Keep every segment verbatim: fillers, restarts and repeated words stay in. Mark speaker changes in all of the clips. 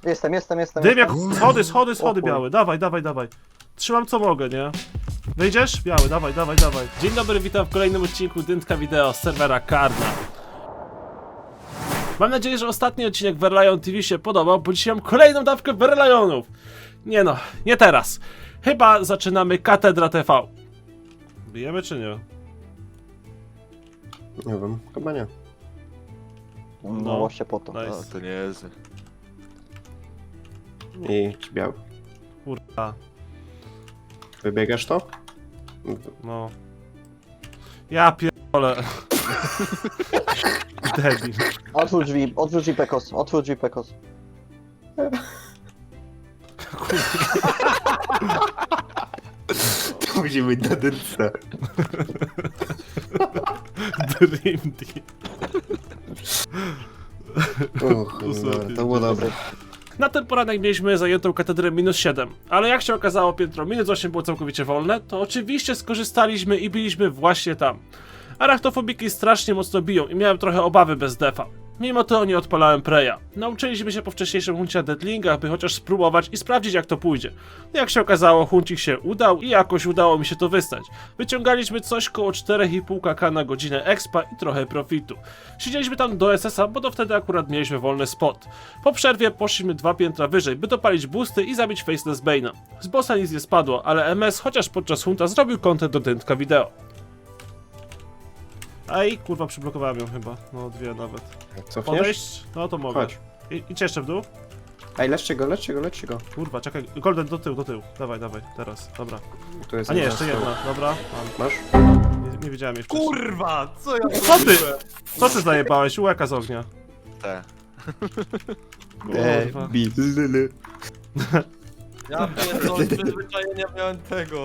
Speaker 1: Jestem, jestem, jestem.
Speaker 2: Dym jak...
Speaker 1: jestem.
Speaker 2: Schody, schody, schody
Speaker 1: O chuj.
Speaker 2: białe. Dawaj, dawaj, dawaj. Trzymam co mogę, nie? Wyjdziesz? Biały, dawaj, dawaj, dawaj. Dzień dobry, witam w kolejnym odcinku Dyntka Wideo z serwera Karna. Mam nadzieję, że ostatni odcinek Verlion T V się podobał, bo dzisiaj mam kolejną dawkę Verlionów. Nie no, nie teraz. Chyba zaczynamy Katedra T V. Bijemy czy nie?
Speaker 3: Nie wiem, chyba nie.
Speaker 1: No,
Speaker 2: No.
Speaker 1: właśnie po to.
Speaker 2: Nice.
Speaker 4: No, to nie jest.
Speaker 3: I ci biały.
Speaker 2: Kurwa,
Speaker 3: Wybiegasz to?
Speaker 2: no. Ja pierdolę. Debil.
Speaker 1: Otwórz drzwi, otwórz drzwi Pekos, otwórz drzwi Pekos.
Speaker 3: To musi być na dyrce.
Speaker 2: Dream Team.
Speaker 3: Uch, dobra, to było dobre.
Speaker 2: Na ten poranek mieliśmy zajętą katedrę minus siedem, ale jak się okazało piętro minus osiem było całkowicie wolne, to oczywiście skorzystaliśmy i byliśmy właśnie tam. Arachtofobiki strasznie mocno biją i miałem trochę obawy bez defa. Mimo to nie odpalałem preja. Nauczyliśmy się po wcześniejszym huncie na deadlingach, by chociaż spróbować i sprawdzić jak to pójdzie. Jak się okazało, huncik się udał i jakoś udało mi się to wystać. Wyciągaliśmy coś koło cztery i pół kaka na godzinę expa i trochę profitu. Siedzieliśmy tam do S S a, bo to wtedy akurat mieliśmy wolny spot. Po przerwie poszliśmy dwa piętra wyżej, by dopalić boosty i zabić Faceless Bane'a. Z bossa nic nie spadło, ale M S chociaż podczas hunta zrobił content do Dyntka Wideo. Ej, kurwa, przyblokowałem ją chyba. No, dwie nawet.
Speaker 3: Cofniesz?
Speaker 2: Podejść? No to mogę.
Speaker 3: Chodź.
Speaker 2: I, idź jeszcze w dół.
Speaker 3: Ej, leczcie go, leczcie go, leczcie go.
Speaker 2: Kurwa, czekaj. Golden, do tyłu, do tyłu. Dawaj, dawaj, teraz. Dobra.
Speaker 3: Tu jest
Speaker 2: A nie,
Speaker 3: jedna
Speaker 2: jeszcze
Speaker 3: z tyłu.
Speaker 2: jedna. Dobra, mam.
Speaker 3: Masz?
Speaker 2: Nie, nie wiedziałem jeszcze.
Speaker 4: Kurwa, co ja
Speaker 2: Co ty? Co ty zajebałeś? Łeka z ognia.
Speaker 4: Te.
Speaker 2: Kurwa.
Speaker 4: Ja pierdolę, przyzwyczajenia miałem tego.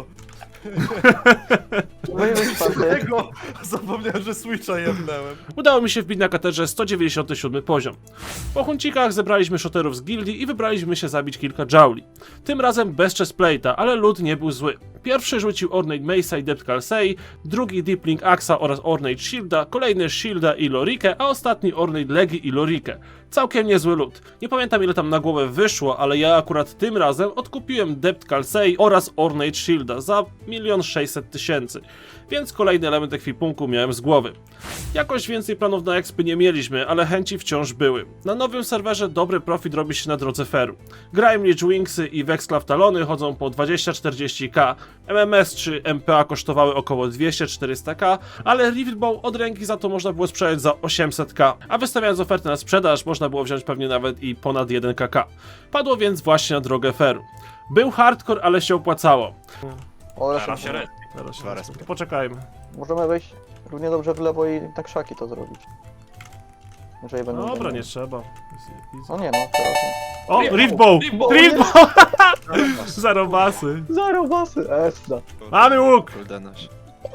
Speaker 1: Wyjmij czwarty.
Speaker 4: Tego! Zapomniałem, że Switcha jebnąłem.
Speaker 2: Udało mi się wbić na katedrze sto dziewięćdziesiąty siódmy poziom. Po huncikach zebraliśmy shoterów z gildii i wybraliśmy się zabić kilka jauli. Tym razem bez chestplate'a, ale loot nie był zły. Pierwszy rzucił Ornate Mace'a i Depth Kalsei, drugi Deeplink Axa oraz Ornate Shielda, kolejny Shielda i Lorikę, a ostatni Ornate Legi i Lorikę. Całkiem niezły loot. Nie pamiętam ile tam na głowę wyszło, ale ja akurat tym razem odkupiłem Depth Kalsei oraz Ornate Shielda za milion sześćset tysięcy, więc kolejny element ekwipunku miałem z głowy. Jakoś więcej planów na expy nie mieliśmy, ale chęci wciąż były. Na nowym serwerze dobry profit robi się na drodze feru. Grime Wingsy i Wexclaw Talony chodzą po dwadzieścia czterdzieści ka, M M S czy M P A kosztowały około dwieście czterysta ka, ale Revealbow od ręki za to można było sprzedać za osiemset ka, a wystawiając ofertę na sprzedaż można było wziąć pewnie nawet i ponad jeden ka. Padło więc właśnie na drogę feru. Był hardcore, ale się opłacało.
Speaker 1: O,
Speaker 4: Teraz
Speaker 1: raz
Speaker 4: się red.
Speaker 2: Teraz się
Speaker 4: Dwa
Speaker 2: rozpę-
Speaker 4: razy.
Speaker 2: Poczekajmy.
Speaker 1: możemy wejść równie dobrze w lewo i tak szaki to zrobić. Jeżeli będą
Speaker 2: Dobra,
Speaker 1: zajmować.
Speaker 2: nie trzeba.
Speaker 1: No nie no, teraz nie.
Speaker 2: O, Riftbow!
Speaker 4: Riftbow!
Speaker 2: Riftbow! Zarobasy.
Speaker 1: Zero basy, esda.
Speaker 2: Mamy łuk!
Speaker 4: Kurde noś.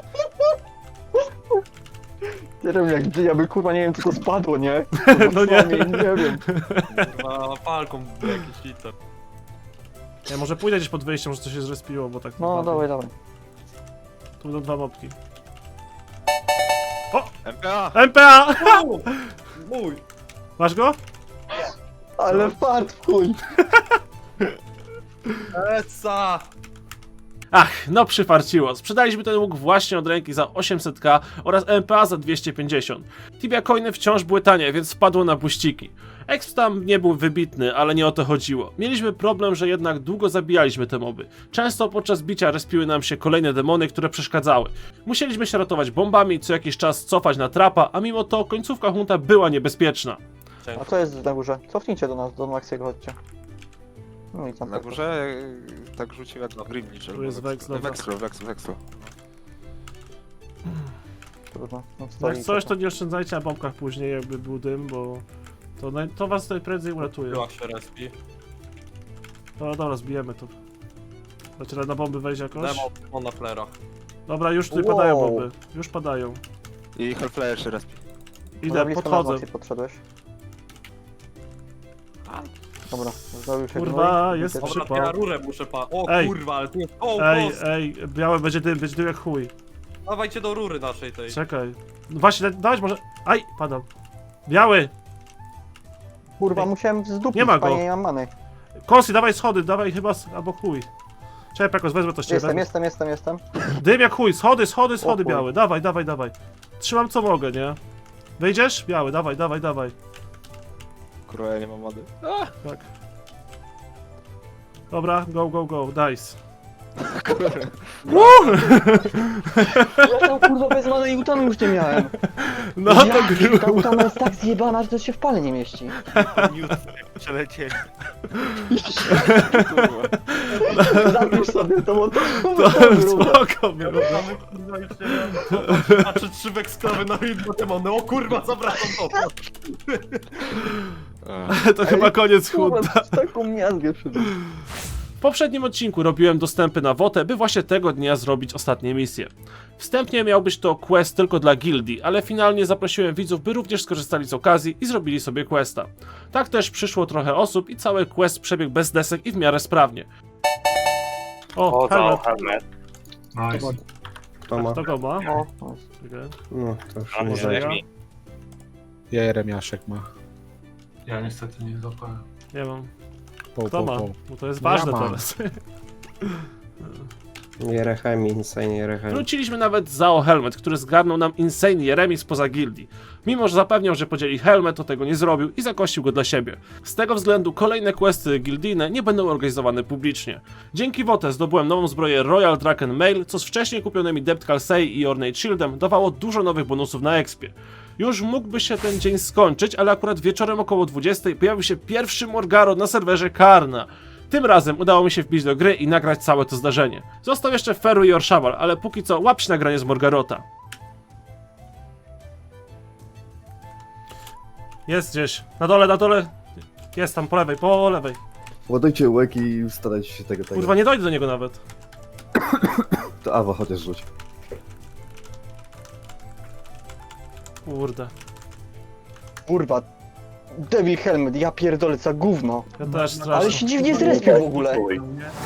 Speaker 1: Nie wiem jak gdzie, ja by kurwa nie wiem co to spadło, nie?
Speaker 2: No nie.
Speaker 1: Nie, nie wiem.
Speaker 4: Kurwa, falką jakiś cheater.
Speaker 2: Ja może pójdę gdzieś pod wyjściem, może coś się zrespiło, bo tak...
Speaker 1: No dawaj, dawaj.
Speaker 2: Tu będą dwa mopki.
Speaker 4: M P A!
Speaker 2: M P A!
Speaker 4: Mój!
Speaker 2: Masz go?
Speaker 1: Ale fart w chuj.
Speaker 4: Eca!
Speaker 2: Ach, no przyfarciło. Sprzedaliśmy ten łuk właśnie od ręki za osiemset ka oraz M P A za dwieście pięćdziesiąt. Tibia coiny wciąż były tanie, więc wpadło na buściki. Exp tam nie był wybitny, ale nie o to chodziło. Mieliśmy problem, że jednak długo zabijaliśmy te moby. Często podczas bicia respiły nam się kolejne demony, które przeszkadzały. Musieliśmy się ratować bombami, co jakiś czas cofać na trapa, a mimo to końcówka hunta była niebezpieczna.
Speaker 1: A co jest na górze? Cofnijcie do nas, do Maxiego chodźcie. No i tam
Speaker 4: Na górze e, tak rzucił jak na Grim Licher.
Speaker 2: Tu jest Vex, dobra.
Speaker 4: Vexlo, Vexlo, Vexlo.
Speaker 1: Trudno. No, stoi
Speaker 2: Jak coś, to nie oszczędzajcie na bombkach później, jakby był dym, bo to, naj... to was najprędzej uratuje.
Speaker 4: Była się respi.
Speaker 2: No dobra, zbijemy to. Znaczy na bomby wejść jakoś?
Speaker 4: Demo on na flerach.
Speaker 2: Dobra, już tutaj
Speaker 1: Wow.
Speaker 2: padają bomby. Już padają.
Speaker 4: I Hellflyer się respi.
Speaker 2: Idę,
Speaker 1: blisko
Speaker 2: podchodzę.
Speaker 1: nas, Maxi, podszedłeś. Dobra, zrobił się
Speaker 2: Kurwa,
Speaker 1: gnój.
Speaker 2: jest
Speaker 1: Wiecie,
Speaker 2: przy-
Speaker 4: Dobra, ja rurę muszę pa... O
Speaker 2: Ej.
Speaker 4: kurwa, ale tu jest... O,
Speaker 2: Ej,
Speaker 4: boss!
Speaker 2: ej, białe będzie dym, będzie dym jak chuj.
Speaker 4: Dawajcie do rury naszej tej.
Speaker 2: Czekaj. No właśnie, da- dawać może... Aj, padam. Biały!
Speaker 1: Kurwa, musiałem zdupić,
Speaker 2: Nie ma go.
Speaker 1: panie, nie mam many.
Speaker 2: Kosi, dawaj schody, dawaj chyba, s- albo chuj. Czekaj, Pekos, wezmę to z ciebie.
Speaker 1: Jestem, jestem, jestem, jestem.
Speaker 2: Dym jak chuj, schody, schody, schody
Speaker 1: O chuj.
Speaker 2: białe, dawaj, dawaj, dawaj. Trzymam co mogę, nie? Wyjdziesz? Biały, dawaj, dawaj, dawaj.
Speaker 4: Kurwa, ja nie mam mody.
Speaker 2: Tak. Dobra, go, go, go, dice.
Speaker 1: Ja tam kurwa bez many i utanu już nie miałem.
Speaker 2: No to
Speaker 1: Ja,
Speaker 2: grubo.
Speaker 1: ta utana jest tak zjebana, że to się w pale nie mieści.
Speaker 4: Przelecieli.
Speaker 1: Zapisz sobie to, bo to
Speaker 2: To
Speaker 1: to
Speaker 2: spoko było.
Speaker 4: Mamy kurwa już nie wiem. Patrzę trzy weksklawy na jedno demony. O kurwa, zawracam to.
Speaker 2: To chyba koniec
Speaker 1: Kurwa,
Speaker 2: chudda.
Speaker 1: taką miazgę przybył.
Speaker 2: W poprzednim odcinku robiłem dostępy na Wotę, by właśnie tego dnia zrobić ostatnie misje. Wstępnie miał być to quest tylko dla gildii, ale finalnie zaprosiłem widzów, by również skorzystali z okazji i zrobili sobie questa. Tak też przyszło trochę osób i cały quest przebiegł bez desek i w miarę sprawnie. O,
Speaker 5: O,
Speaker 2: helmet.
Speaker 5: to helmet.
Speaker 6: Nice.
Speaker 3: Kto ma?
Speaker 2: Kto go ma?
Speaker 1: O, o.
Speaker 2: Czekaj.
Speaker 3: No, to już
Speaker 5: A
Speaker 3: nie
Speaker 2: może
Speaker 3: zajmie.
Speaker 2: ja?
Speaker 5: Jeremi.
Speaker 6: Jeremiaszek ma. Ja niestety nie złapałem.
Speaker 2: Nie mam.
Speaker 6: Po,
Speaker 2: Kto
Speaker 6: po,
Speaker 2: ma?
Speaker 6: po.
Speaker 2: Bo to jest
Speaker 6: No ja
Speaker 2: ważne
Speaker 6: mam.
Speaker 2: teraz.
Speaker 3: Jerechemi, insane Jerechemi.
Speaker 2: Wróciliśmy nawet Zao Helmet, który zgarnął nam Insane Jeremi spoza gildii. Mimo że zapewniał, że podzieli Helmet, to tego nie zrobił i zakościł go dla siebie. Z tego względu kolejne questy gildijne nie będą organizowane publicznie. Dzięki Wotę zdobyłem nową zbroję Royal Draken Mail, co z wcześniej kupionymi Depth Calcei i Ornate Shieldem dawało dużo nowych bonusów na expie. Już mógłby się ten dzień skończyć, ale akurat wieczorem około dwudziestej pojawił się pierwszy Morgaro na serwerze Karna. Tym razem udało mi się wbić do gry i nagrać całe to zdarzenie. Został jeszcze Feru i Orszawal, ale póki co łapcie nagranie z Morgarota. Jest gdzieś. Na dole, na dole. Jest tam po lewej, po lewej.
Speaker 7: Ładujcie łeki i starajcie się tego tego.
Speaker 2: Kurwa, nie dojdę do niego nawet.
Speaker 7: To Awa chociaż rzuć.
Speaker 2: Kurde.
Speaker 1: Kurwa. Devil Helmet, ja pierdolę, co gówno.
Speaker 2: Ja też
Speaker 1: Ale
Speaker 2: strasznie.
Speaker 1: się dziwnie zrespił w ogóle.
Speaker 5: Chuj.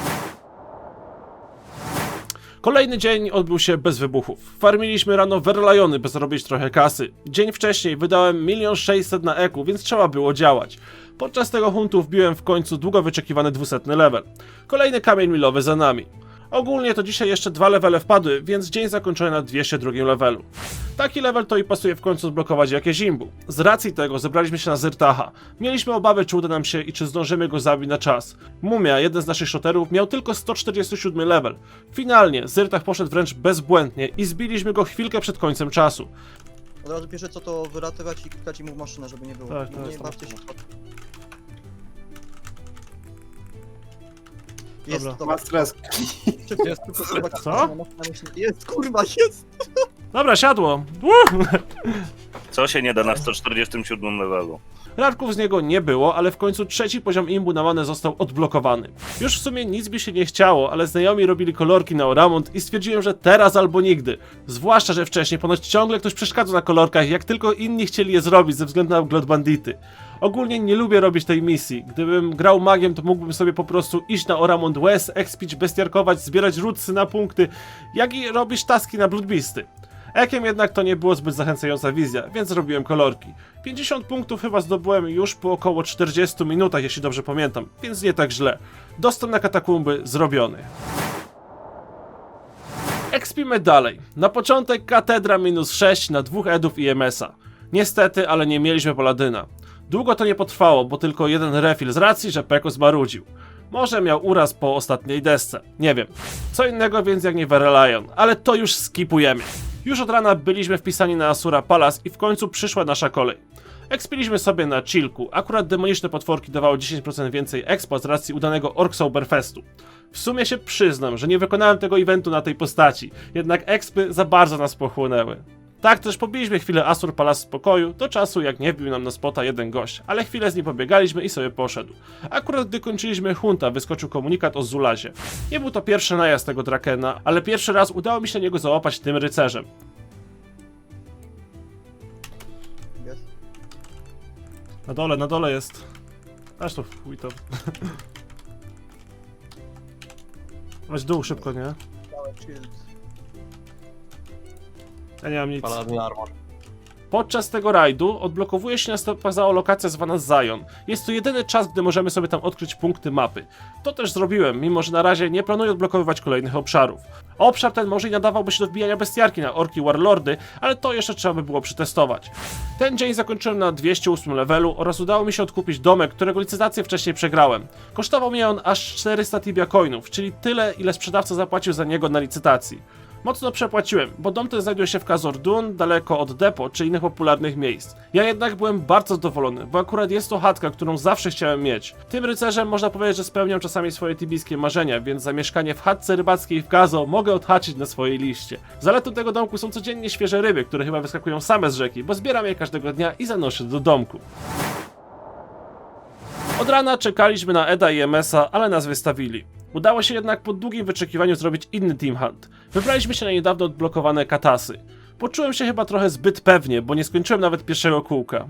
Speaker 2: Kolejny dzień odbył się bez wybuchów. Farmiliśmy rano Verlajony, by zarobić trochę kasy. Dzień wcześniej wydałem milion sześćset na eku, więc trzeba było działać. Podczas tego huntu wbiłem w końcu długo wyczekiwany dwusetny level. Kolejny kamień milowy za nami. Ogólnie to dzisiaj jeszcze dwa levele wpadły, więc dzień zakończony na dwieście drugim levelu. Taki level to i pasuje w końcu zblokować jakieś imbu. Z racji tego zebraliśmy się na Zyrtaha. Mieliśmy obawy, czy uda nam się i czy zdążymy go zabić na czas. Mumia, jeden z naszych shooterów, miał tylko sto czterdziesty siódmy level. Finalnie Zyrtach poszedł wręcz bezbłędnie i zbiliśmy go chwilkę przed końcem czasu.
Speaker 8: Od razu pierwsze co to wylatywać i klikać mu w maszynę, żeby nie było.
Speaker 2: Tak, tak,
Speaker 8: nie
Speaker 2: tak.
Speaker 8: bawcie się. Jest,
Speaker 2: Dobra.
Speaker 8: dobra.
Speaker 3: Ma stres.
Speaker 8: Szybko, jest tylko trzeba
Speaker 2: Co?
Speaker 8: na maszynę. Jest, kurwa, jest!
Speaker 2: Dobra, siadło. Uh!
Speaker 5: Co się nie da na sto czterdziestym siódmym levelu?
Speaker 2: Radków z niego nie było, ale w końcu trzeci poziom imbu na manę został odblokowany. Już w sumie nic by się nie chciało, ale znajomi robili kolorki na Oramont i stwierdziłem, że teraz albo nigdy. Zwłaszcza, że wcześniej ponoć ciągle ktoś przeszkadzał na kolorkach, jak tylko inni chcieli je zrobić ze względu na Glot Bandity. Ogólnie nie lubię robić tej misji. Gdybym grał magiem, to mógłbym sobie po prostu iść na Oramont West, expić, bestiarkować, zbierać rutsy na punkty, jak i robić taski na Bloodbeasty. Ekiem jednak to nie było zbyt zachęcająca wizja, więc zrobiłem kolorki. pięćdziesiąt punktów chyba zdobyłem już po około czterdziestu minutach, jeśli dobrze pamiętam, więc nie tak źle. Dostęp na katakumby zrobiony. Ekspimy dalej. Na początek katedra minus sześć na dwóch edów i em es a. Niestety, ale nie mieliśmy paladyna. Długo to nie potrwało, bo tylko jeden refill z racji, że Pekos marudził. Może miał uraz po ostatniej desce, nie wiem. Co innego więc jak nie Verelion, ale to już skipujemy. Już od rana byliśmy wpisani na Asura Palace i w końcu przyszła nasza kolej. Ekspiliśmy sobie na chillku, akurat demoniczne potworki dawały dziesięć procent więcej expa z racji udanego Orksoberfestu. W sumie się przyznam, że nie wykonałem tego eventu na tej postaci, jednak expy za bardzo nas pochłonęły. Tak też pobiliśmy chwilę Asur Palace w spokoju, do czasu jak nie wbił nam na spota jeden gość, ale chwilę z nim pobiegaliśmy i sobie poszedł. Akurat gdy kończyliśmy hunta, wyskoczył komunikat o Zulazie. Nie był to pierwszy najazd tego Drakena, ale pierwszy raz udało mi się na niego załapać tym rycerzem.
Speaker 8: Jest.
Speaker 2: Na dole, na dole jest. Aż to chuj to. Weź dół szybko, nie?
Speaker 8: Dałem shield.
Speaker 2: Ja nie mam nic.
Speaker 4: Paladin armor.
Speaker 2: Podczas tego rajdu odblokowuje się na stopach za lokacja zwana Zion. Jest to jedyny czas, gdy możemy sobie tam odkryć punkty mapy. To też zrobiłem, mimo że na razie nie planuję odblokowywać kolejnych obszarów. Obszar ten może i nadawałby się do wbijania bestiarki na orki warlordy, ale to jeszcze trzeba by było przetestować. Ten dzień zakończyłem na dwieście ósmym levelu oraz udało mi się odkupić domek, którego licytację wcześniej przegrałem. Kosztował mnie on aż czterysta tibia coinów, czyli tyle, ile sprzedawca zapłacił za niego na licytacji. Mocno przepłaciłem, bo dom ten znajduje się w Khazor-dûn, daleko od depo czy innych popularnych miejsc. Ja jednak byłem bardzo zadowolony, bo akurat jest to chatka, którą zawsze chciałem mieć. Tym rycerzem można powiedzieć, że spełniam czasami swoje tibijskie marzenia, więc za mieszkanie w chatce rybackiej w Gazo mogę odhaczyć na swojej liście. Zaletą tego domku są codziennie świeże ryby, które chyba wyskakują same z rzeki, bo zbieram je każdego dnia i zanoszę do domku. Od rana czekaliśmy na Eda i M S a, ale nas wystawili. Udało się jednak po długim wyczekiwaniu zrobić inny team hunt. Wybraliśmy się na niedawno odblokowane katasy. Poczułem się chyba trochę zbyt pewnie, bo nie skończyłem nawet pierwszego kółka.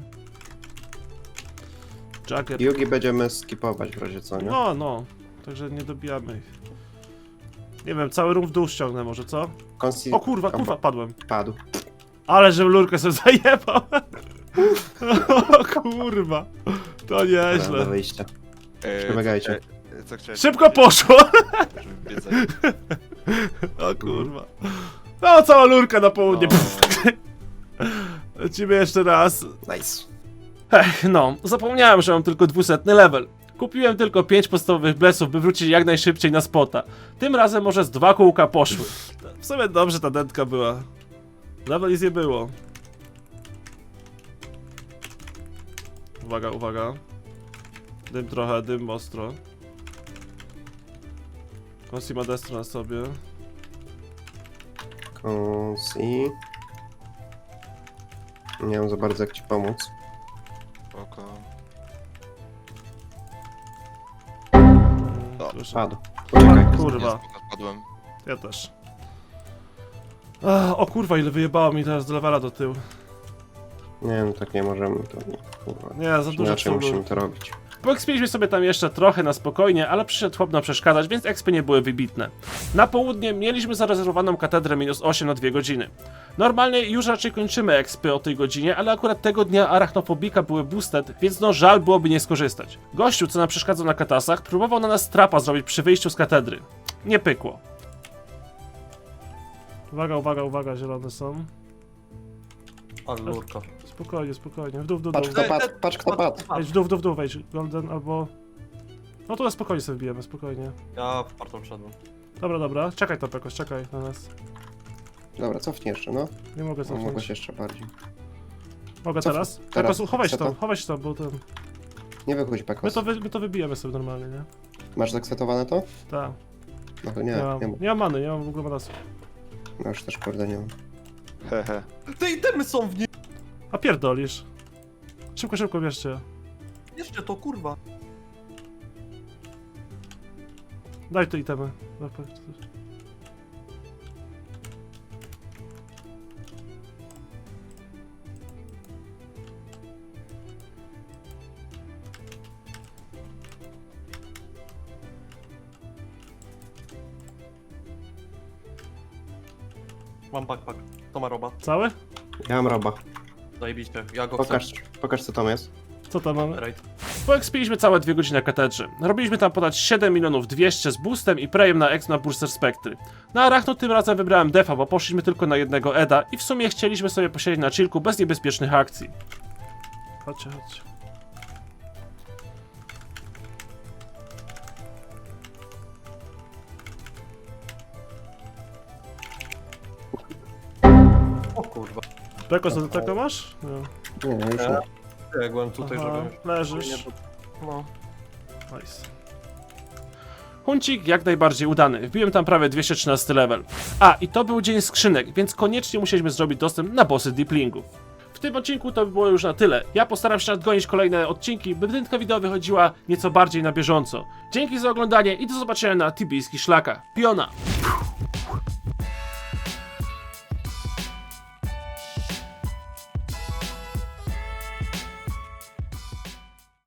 Speaker 2: Jagger.
Speaker 3: Yugi będziemy skipować w razie co, nie?
Speaker 2: No, no. Także nie dobijamy ich. Nie wiem, cały rum w dół ściągnę może, co?
Speaker 3: Konsi...
Speaker 2: O kurwa, kurwa, padłem.
Speaker 3: Padł.
Speaker 2: Ale że lurkę sobie zajebał. O kurwa. To
Speaker 3: Do
Speaker 2: nieźle.
Speaker 3: wyjścia.
Speaker 9: Eee,
Speaker 3: Przemagajcie.
Speaker 9: co- Co chciałeś
Speaker 2: Szybko poszło.
Speaker 9: żeby wiedzieć?
Speaker 2: O kurwa. No, cała lurka na południe.
Speaker 9: O.
Speaker 2: Lecimy jeszcze raz.
Speaker 3: Nice.
Speaker 2: Ech, no, zapomniałem, że mam tylko dwusetny level. Kupiłem tylko pięć podstawowych blesów, by wrócić jak najszybciej na spota. Tym razem może z dwa kółka poszły. W sumie dobrze ta dętka była. Level nic nie było. Uwaga, uwaga. Dym trochę, dym ostro. Konsi ma destro na sobie.
Speaker 3: Konsi. Nie wiem za bardzo jak ci pomóc.
Speaker 9: Oko.
Speaker 2: Proszę.
Speaker 3: Padł. Uciekaj.
Speaker 2: Kurwa,
Speaker 9: Padłem.
Speaker 2: ja też. Ach, o kurwa, ile wyjebało mi teraz do levela do tyłu.
Speaker 3: Nie no tak nie możemy, to nie. Kurwa.
Speaker 2: Nie, za dużo
Speaker 3: Inaczej
Speaker 2: celu.
Speaker 3: musimy to robić.
Speaker 2: Poekspiliśmy sobie tam jeszcze trochę na spokojnie, ale przyszedł chłop nam przeszkadzać, więc expy nie były wybitne. Na południe mieliśmy zarezerwowaną katedrę minus osiem na dwie godziny. Normalnie już raczej kończymy expy o tej godzinie, ale akurat tego dnia arachnofobika były boosted, więc no żal byłoby nie skorzystać. Gościu, co nam przeszkadzał na katasach, próbował na nas trapa zrobić przy wyjściu z katedry. Nie pykło. Uwaga, uwaga, uwaga, zielone są.
Speaker 4: Ale lurka.
Speaker 2: Spokojnie, spokojnie, w dół, w dół, w
Speaker 3: Patrz
Speaker 2: dół.
Speaker 3: kto padł, patrz kto padł.
Speaker 2: Wejdź w dół, w dół, w dół, wejdź. Golden albo... No to spokojnie sobie wbijemy, spokojnie.
Speaker 4: Ja w partą wszedłem.
Speaker 2: Dobra, dobra, czekaj to jakoś, czekaj na nas.
Speaker 3: Dobra, cofnij jeszcze, no.
Speaker 2: Nie mogę
Speaker 3: No mogłeś
Speaker 2: cofnąć.
Speaker 3: jeszcze bardziej.
Speaker 2: Mogę
Speaker 3: Cof-
Speaker 2: teraz?
Speaker 3: teraz.
Speaker 2: Tylko chowaj się
Speaker 3: Co to?
Speaker 2: tam, chowaj się tam, bo ten...
Speaker 3: Nie wychodź
Speaker 2: My
Speaker 3: Pekos.
Speaker 2: to, wy, my to wybijemy sobie normalnie, nie?
Speaker 3: Masz zaksetowane to?
Speaker 2: Tak.
Speaker 3: No to
Speaker 2: Nie,
Speaker 3: nie,
Speaker 2: mam,
Speaker 3: nie mam.
Speaker 2: nie mam many, nie mam w ogóle manasu.
Speaker 3: No już też kurde nie mam.
Speaker 9: Hehe.
Speaker 4: Te itemy są w nim!
Speaker 2: A pierdolisz. Szybko, szybko, bierzcie.
Speaker 4: Jeszcze to kurwa.
Speaker 2: Daj te itemy.
Speaker 4: Mam backpack. To ma roba.
Speaker 2: Cały?
Speaker 3: Ja mam roba.
Speaker 4: Zajebiście. Ja go
Speaker 3: Pokaż,
Speaker 4: chcę.
Speaker 3: pokaż co tam jest.
Speaker 2: Co tam mamy?
Speaker 4: Raid.
Speaker 2: Poekspiliśmy całe dwie godziny na katedrze. Robiliśmy tam podać siedem milionów dwieście z boostem i prejem na ex na Burster Spectry. Na Arachno tym razem wybrałem defa, bo poszliśmy tylko na jednego Eda i w sumie chcieliśmy sobie posiedzieć na chillku bez niebezpiecznych akcji. Chodźcie, chodźcie.
Speaker 4: O kurwa.
Speaker 2: Peko, co ty taką masz? Nie.
Speaker 3: Nie, już
Speaker 4: Nie.
Speaker 3: nie.
Speaker 4: Ja byłem tutaj,
Speaker 2: Aha,
Speaker 4: żeby...
Speaker 2: leżysz.
Speaker 4: No.
Speaker 2: Nice. Huncik jak najbardziej udany. Wbiłem tam prawie dwieście trzynasty level. A, i to był dzień skrzynek, więc koniecznie musieliśmy zrobić dostęp na bossy Deeplingów. W tym odcinku to by było już na tyle. Ja postaram się nadgonić kolejne odcinki, by wydętka wideo wychodziła nieco bardziej na bieżąco. Dzięki za oglądanie i do zobaczenia na tibijskich szlakach. Piona!